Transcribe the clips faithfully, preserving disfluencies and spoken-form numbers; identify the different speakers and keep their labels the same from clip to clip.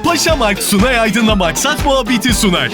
Speaker 1: Paşamark Sunay Aydın'la Maksat Muhabbeti sunar.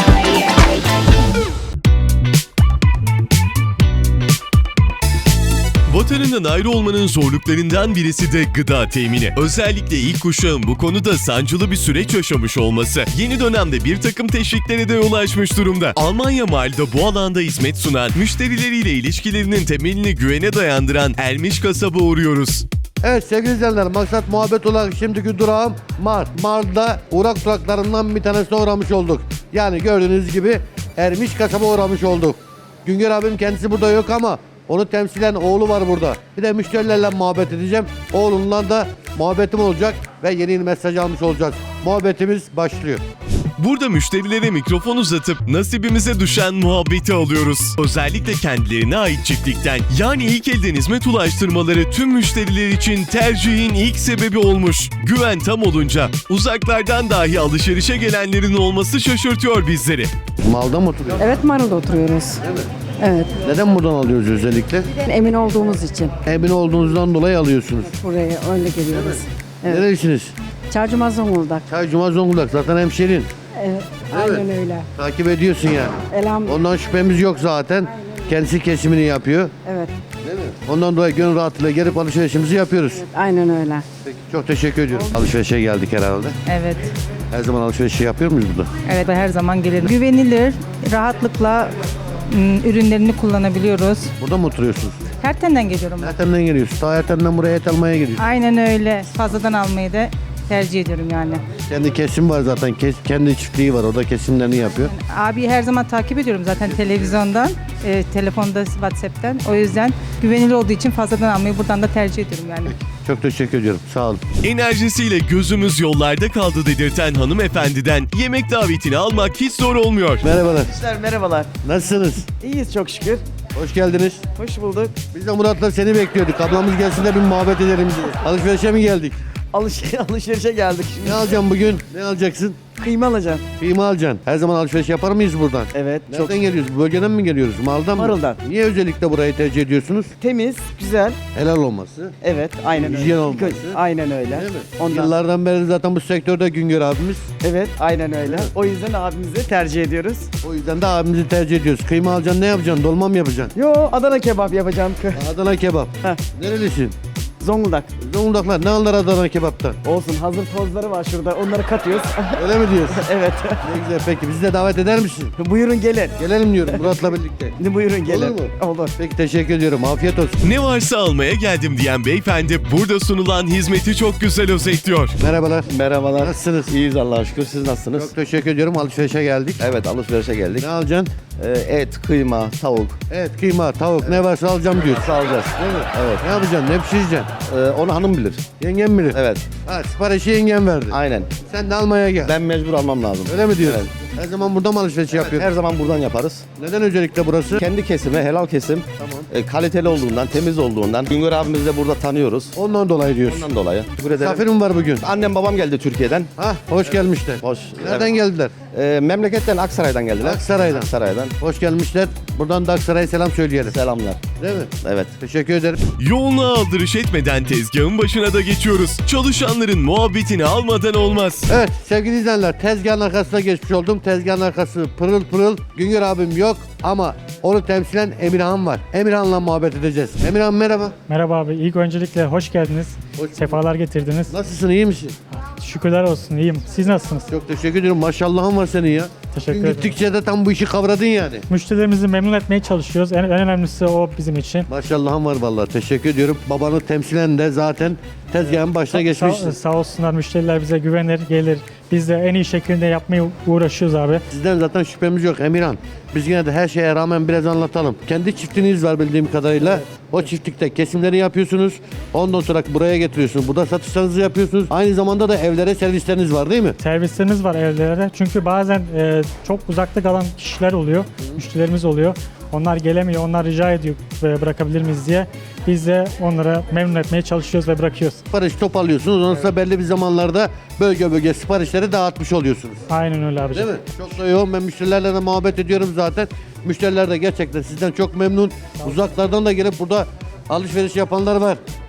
Speaker 1: Vatanından ayrı olmanın zorluklarından birisi de gıda temini. Özellikle ilk kuşağın bu konuda sancılı bir süreç yaşamış olması yeni dönemde bir takım teşviklere de yol açmış durumda. Almanya Mal'da bu alanda hizmet sunan, müşterileriyle ilişkilerinin temelini güvene dayandıran Ermiş Kasab'a uğruyoruz.
Speaker 2: Evet sevgili izleyenler, Maksat Muhabbet olarak şimdiki durağım Mar. Mar'da uğrak duraklarından bir tanesine uğramış olduk. Yani gördüğünüz gibi Ermiş Kasab'a uğramış olduk. Güngör abim kendisi burada yok ama onu temsilen oğlu var burada. Bir de müşterilerle muhabbet edeceğim. Oğlumla da muhabbetim olacak ve yeni yeni mesaj almış olacağız. Muhabbetimiz başlıyor.
Speaker 1: Burada müşterilere mikrofon uzatıp nasibimize düşen muhabbeti alıyoruz. Özellikle kendilerine ait çiftlikten, yani ilk elden hizmet ulaştırmaları tüm müşteriler için tercihin ilk sebebi olmuş. Güven tam olunca uzaklardan dahi alışverişe gelenlerin olması şaşırtıyor bizleri.
Speaker 2: Malda mı oturuyorsun?
Speaker 3: Evet, Marul'da oturuyoruz.
Speaker 2: Evet.
Speaker 3: Evet,
Speaker 2: Neden buradan alıyoruz özellikle?
Speaker 3: emin olduğumuz için
Speaker 2: Emin olduğunuzdan dolayı alıyorsunuz.
Speaker 3: buraya öyle geliyoruz. Evet.
Speaker 2: Nerelisiniz?
Speaker 3: Çarşamba Zonguldak.
Speaker 2: Çaycuma Zonguldak, zaten hemşerin.
Speaker 3: Evet, aynen öyle.
Speaker 2: Takip ediyorsun yani.
Speaker 3: Elhamdülillah.
Speaker 2: Ondan şüphemiz yok zaten. Kendisi kesimini yapıyor.
Speaker 3: Evet,
Speaker 2: Değil mi? Ondan dolayı gönül rahatlığıyla gelip alışverişimizi yapıyoruz.
Speaker 3: aynen öyle.
Speaker 2: Peki, çok teşekkür ediyorum. Alışverişe geldik herhalde.
Speaker 4: Evet,
Speaker 2: Her zaman alışverişi yapıyor muyuz burada?
Speaker 4: evet ve her zaman gelirim. Güvenilir, rahatlıkla ım, ürünlerini kullanabiliyoruz.
Speaker 2: Burada mı oturuyorsunuz?
Speaker 4: Ertenden geliyorum ben.
Speaker 2: Ertem'den geliyorsun. Ta Ertem'den buraya et almaya geliyorsun.
Speaker 4: Aynen öyle. Fazladan almayı da tercih ediyorum yani.
Speaker 2: Kendi kesim var zaten. Kes, kendi çiftliği var. O da kesimlerini yapıyor.
Speaker 4: Abi her zaman takip ediyorum zaten televizyondan, e, telefonda, WhatsApp'tan. O yüzden güvenilir olduğu için fazladan almayı buradan da tercih ediyorum yani.
Speaker 2: Çok teşekkür ediyorum. Sağ olun.
Speaker 1: Enerjisiyle gözümüz yollarda kaldı dedirten hanımefendiden yemek davetini almak hiç zor olmuyor.
Speaker 2: Merhabalar.
Speaker 5: Arkadaşlar merhabalar.
Speaker 2: Nasılsınız?
Speaker 5: İyiyiz çok şükür.
Speaker 2: Hoş geldiniz.
Speaker 5: Hoş bulduk.
Speaker 2: Biz de Murat'la seni bekliyorduk. Ablamız gelsin de bir muhabbet edelim diye. Alışverişe mi geldik?
Speaker 5: Alış alışverişe geldik şimdi.
Speaker 2: Ne alacaksın bugün? Ne alacaksın?
Speaker 5: Kıyma alacağım.
Speaker 2: Kıyma alacaksın. Her zaman alışveriş yapar mıyız buradan?
Speaker 5: Evet.
Speaker 2: Nereden
Speaker 5: Çok
Speaker 2: geliyoruz? Bu bölgeden mi geliyoruz? Maldan mı?
Speaker 5: Marul'dan.
Speaker 2: Niye özellikle burayı tercih ediyorsunuz?
Speaker 5: temiz, güzel.
Speaker 2: Helal olması.
Speaker 5: Evet, aynen öyle.
Speaker 2: Hijyen olması.
Speaker 5: Aynen öyle.
Speaker 2: Değil mi?
Speaker 5: Ondan.
Speaker 2: Yıllardan beri zaten bu sektörde Güngör abimiz.
Speaker 5: Evet, aynen öyle. O yüzden abimizi tercih ediyoruz.
Speaker 2: O yüzden de abimizi tercih ediyoruz. Kıyma alacaksın, ne yapacaksın? Dolma mı yapacaksın?
Speaker 5: Yo, Adana kebap yapacağım.
Speaker 2: Adana kebap.
Speaker 5: Heh.
Speaker 2: Nerelisin?
Speaker 5: Zonguldak.
Speaker 2: Zonguldaklar ne alır Adana kebaptan?
Speaker 5: Olsun, hazır tozları var şurada. Onları katıyoruz.
Speaker 2: Öyle mi diyorsun?
Speaker 5: Evet.
Speaker 2: Ne güzel, peki bizi de davet eder misin?
Speaker 5: Buyurun gelin.
Speaker 2: Gelelim diyorum Murat'la birlikte.
Speaker 5: Buyurun gelin.
Speaker 2: Olur mu?
Speaker 5: Olur.
Speaker 2: Peki teşekkür ediyorum. Afiyet olsun.
Speaker 1: Ne varsa almaya geldim diyen beyefendi burada sunulan hizmeti çok güzel özetliyor.
Speaker 2: Merhabalar.
Speaker 6: Merhabalar.
Speaker 2: Nasılsınız?
Speaker 6: İyiyiz Allah'a şükür. Siz nasılsınız?
Speaker 2: Çok teşekkür ediyorum. Alışverişe geldik.
Speaker 6: Evet, alışverişe geldik.
Speaker 2: Ne alacaksın?
Speaker 6: Ee, et, kıyma, tavuk.
Speaker 2: Evet, kıyma, tavuk ne varsa alacağım diyorsun.
Speaker 6: Alacağız.
Speaker 2: Değil mi?
Speaker 6: Evet.
Speaker 2: Ne yapacaksın? Ne pişireceksin?
Speaker 6: Ee, onu hanım bilir.
Speaker 2: Yengem bilir.
Speaker 6: Evet.
Speaker 2: Ha, siparişi yengem verdi.
Speaker 6: Aynen.
Speaker 2: Sen de almaya gel.
Speaker 6: Ben mecbur almam lazım.
Speaker 2: Öyle mi diyorsun?
Speaker 6: Evet.
Speaker 2: Her zaman burada mı alışveriş yapıyorsun?
Speaker 6: Her zaman buradan yaparız.
Speaker 2: Neden özellikle burası?
Speaker 6: Kendi kesimi, helal kesim.
Speaker 2: Tamam.
Speaker 6: e, kaliteli olduğundan, temiz olduğundan. Güngör abimizi de burada tanıyoruz.
Speaker 2: Ondan dolayı diyorsun.
Speaker 6: Ondan dolayı. Teşekkür ederim.
Speaker 2: Misafirim var bugün.
Speaker 6: Annem babam geldi Türkiye'den.
Speaker 2: Ha, hoş gelmişler.
Speaker 6: Hoş.
Speaker 2: Nereden geldiler?
Speaker 6: Ee, memleketten Aksaray'dan geldiler.
Speaker 2: Aksaray'dan.
Speaker 6: Aksaray'dan.
Speaker 2: Hoş gelmişler. Buradan da Aksaray'a selam söyleyelim.
Speaker 6: Selamlar.
Speaker 2: Değil mi?
Speaker 6: Evet.
Speaker 2: Teşekkür ederim.
Speaker 1: Yoğunluğa aldırış etmeden tezgahın başına da geçiyoruz. Çalışanların muhabbetini almadan olmaz.
Speaker 2: Evet sevgili izleyenler, tezgahın arkasına geçmiş oldum. Tezgahın arkası pırıl pırıl. Güngör abim yok ama onu temsilen Emirhan var. Emirhan'la muhabbet edeceğiz. Emirhan merhaba.
Speaker 7: Merhaba abi. İlk öncelikle hoş geldiniz.
Speaker 2: Hoş
Speaker 7: Sefalar getirdiniz.
Speaker 2: Nasılsın, iyi misin?
Speaker 7: Şükürler olsun. İyiyim. Siz nasılsınız?
Speaker 2: Çok teşekkür ediyorum. Maşallahın var senin ya.
Speaker 7: Teşekkür
Speaker 2: Gün
Speaker 7: ederim.
Speaker 2: gittikçe de tam bu işi kavradın yani.
Speaker 7: Müşterilerimizi memnun etmeye çalışıyoruz. En, en önemlisi o bizim için.
Speaker 2: Maşallahın var vallahi. Teşekkür ediyorum. Babanı temsilen de zaten tezgahın başına geçmişsin.
Speaker 7: Sağ, sağ olsunlar, müşteriler bize güvenir, gelir. Biz de en iyi şekilde yapmaya uğraşıyoruz abi.
Speaker 2: Sizden zaten şüphemiz yok Emirhan. Biz yine de her şeye rağmen biraz anlatalım. Kendi çiftliğiniz var bildiğim kadarıyla. O çiftlikte kesimleri yapıyorsunuz. Ondan sonra buraya getiriyorsunuz. Burada satışlarınızı yapıyorsunuz. Aynı zamanda da evlere servisleriniz var değil mi?
Speaker 7: Servislerimiz var evlere. Çünkü bazen e, çok uzakta kalan kişiler oluyor, müşterilerimiz oluyor. Onlar gelemiyor, onlar rica ediyor e, bırakabilir miyiz diye. Biz de onlara memnun etmeye çalışıyoruz ve bırakıyoruz.
Speaker 2: Sipariş toparlıyorsunuz. Ondan sonra belli bir zamanlarda bölge bölge siparişleri dağıtmış oluyorsunuz.
Speaker 7: Aynen öyle abicim.
Speaker 2: Değil mi? Çok da yoğun. Ben müşterilerle de muhabbet ediyorum zaten. Müşteriler de gerçekten sizden çok memnun. Uzaklardan da gelip burada alışveriş yapanlar var.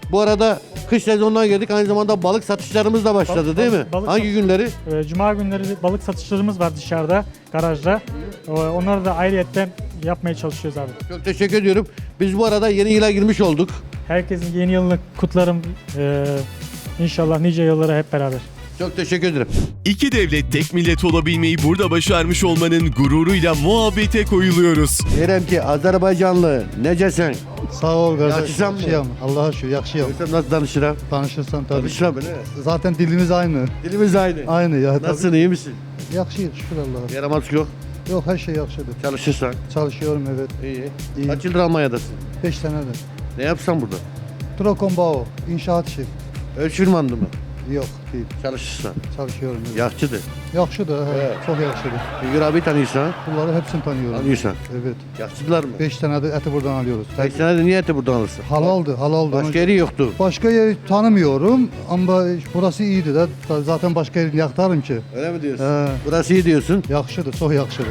Speaker 2: Bu arada kış sezonuna girdik. Aynı zamanda balık satışlarımız da başladı
Speaker 7: Balık-
Speaker 2: değil mi?
Speaker 7: balık- balık
Speaker 2: Hangi
Speaker 7: sat-
Speaker 2: günleri?
Speaker 7: E, Cuma günleri balık satışlarımız var dışarıda, garajda. E, onları da ayrıyetten yapmaya çalışıyoruz abi.
Speaker 2: Çok teşekkür ediyorum. Biz bu arada yeni yıla girmiş olduk.
Speaker 7: Herkesin yeni yılını kutlarım. E, inşallah nice yıllara hep beraber.
Speaker 2: Çok teşekkür ederim.
Speaker 1: İki devlet tek millet olabilmeyi burada başarmış olmanın gururuyla muhabbete koyuluyoruz.
Speaker 2: Diyelim ki Azerbaycanlı necesen?
Speaker 8: Sağ ol kardeş.
Speaker 2: Yakışan mı?
Speaker 8: Yakışıyorum. Allah'a şükür yakışıyorum.
Speaker 2: Sen nasıl danışıram?
Speaker 8: Tanışırsan tabii.
Speaker 2: Danışıram öyle.
Speaker 8: Zaten dilimiz aynı.
Speaker 2: Dilimiz aynı.
Speaker 8: Aynı ya. tabii.
Speaker 2: Nasılsın, iyi misin?
Speaker 8: Yakışıyor şükür Allah'a.
Speaker 2: Yaramaz yok.
Speaker 8: Yok her şey yakışıyordu.
Speaker 2: Çalışırsan.
Speaker 8: Çalışıyorum evet.
Speaker 2: İyi.
Speaker 8: İyi.
Speaker 2: Kaç yıldır Almanya'dasın?
Speaker 8: beş senedir.
Speaker 2: Ne yapsan burada?
Speaker 8: Trokombao. İnşaat işi.
Speaker 2: Ölçülmandı mı?
Speaker 8: Yok değil.
Speaker 2: Çalışırsan.
Speaker 8: Çalışıyorum. Evet.
Speaker 2: Yakçıdır.
Speaker 8: Yakışıyordu. he,
Speaker 2: Evet.
Speaker 8: Çok yakışıyordu.
Speaker 2: Güngör abi tanıyorsan.
Speaker 8: Bunları hepsini tanıyorum.
Speaker 2: Tanıyorsan.
Speaker 8: Evet.
Speaker 2: Yakçıdılar mı?
Speaker 8: beş senedir eti buradan alıyoruz.
Speaker 2: Kaç senede niye eti buradan alırsın?
Speaker 8: Halaldı. Halaldı.
Speaker 2: Başka yeri yoktu.
Speaker 8: Başka yeri tanımıyorum ama burası iyiydi de zaten başka yerini yaktarım ki.
Speaker 2: Öyle mi diyorsun?
Speaker 8: He.
Speaker 2: Burası iyi diyorsun.
Speaker 8: Yakışıyordu. Çok yakışıyordu.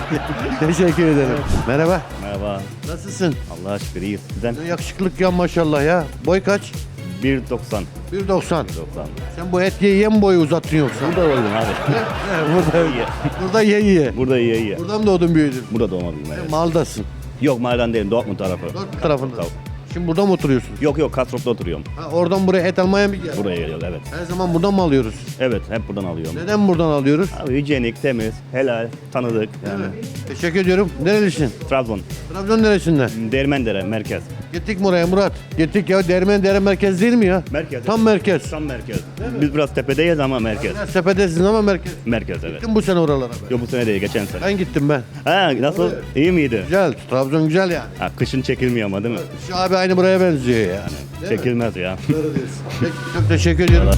Speaker 2: Teşekkür ederim. Merhaba.
Speaker 9: Merhaba.
Speaker 2: Nasılsın?
Speaker 9: Allah'a şükür iyiyiz. Sizden
Speaker 2: Ne yakışıklık ya maşallah ya. Boy kaç?
Speaker 9: bir doksan.
Speaker 2: bir doksan.
Speaker 9: doksan.
Speaker 2: Sen bu et ye ye mi boyu uzattın yoksa?
Speaker 9: Burada oldum abi.
Speaker 2: burada,
Speaker 9: İyi.
Speaker 2: burada ye ye.
Speaker 9: Burada iyi iyi.
Speaker 2: Buradan mı doğdun büyüdün?
Speaker 9: Burada doğmadım evet.
Speaker 2: Maldasın.
Speaker 9: Yok mahalleden değilim. Dortmund tarafı.
Speaker 2: Dört tarafında.
Speaker 9: Tabii.
Speaker 2: Şimdi burada mı oturuyorsun?
Speaker 9: Yok yok Kastrop'ta oturuyorum.
Speaker 2: Ha, oradan buraya et almaya mı geldin?
Speaker 9: Buraya geliyoruz evet.
Speaker 2: Her zaman buradan mı alıyoruz?
Speaker 9: Evet hep buradan alıyorum.
Speaker 2: Neden buradan alıyoruz?
Speaker 9: Abi hijyenik, temiz, helal, tanıdık yani.
Speaker 2: Teşekkür ediyorum. Nerelisin?
Speaker 9: Trabzon.
Speaker 2: Trabzon neresinden?
Speaker 9: Değirmendere merkez.
Speaker 2: Gittik mi oraya Murat? Gittik ya. Dermen Dere merkez değil mi ya?
Speaker 9: Merkez.
Speaker 2: Tam merkez.
Speaker 9: Tam merkez. Biz biraz tepedeyiz ama merkez.
Speaker 2: Biraz tepedesiniz ama merkez.
Speaker 9: Merkez evet.
Speaker 2: Gittim bu sene oralara ben.
Speaker 9: Yok bu sene değil geçen sene.
Speaker 2: Ben gittim ben.
Speaker 9: Ha nasıl? İyi miydi?
Speaker 2: Güzel. Trabzon güzel yani.
Speaker 9: Ha, kışın çekilmiyor ama değil mi?
Speaker 2: Şu abi aynı buraya benziyor yani. Değil mi?
Speaker 9: Çekilmez ya.
Speaker 2: Doğru diyorsun. Peki, çok teşekkür ediyorum.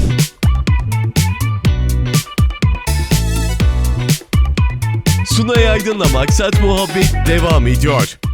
Speaker 1: Sunay Aydın'la Maksat Muhabbet devam ediyor.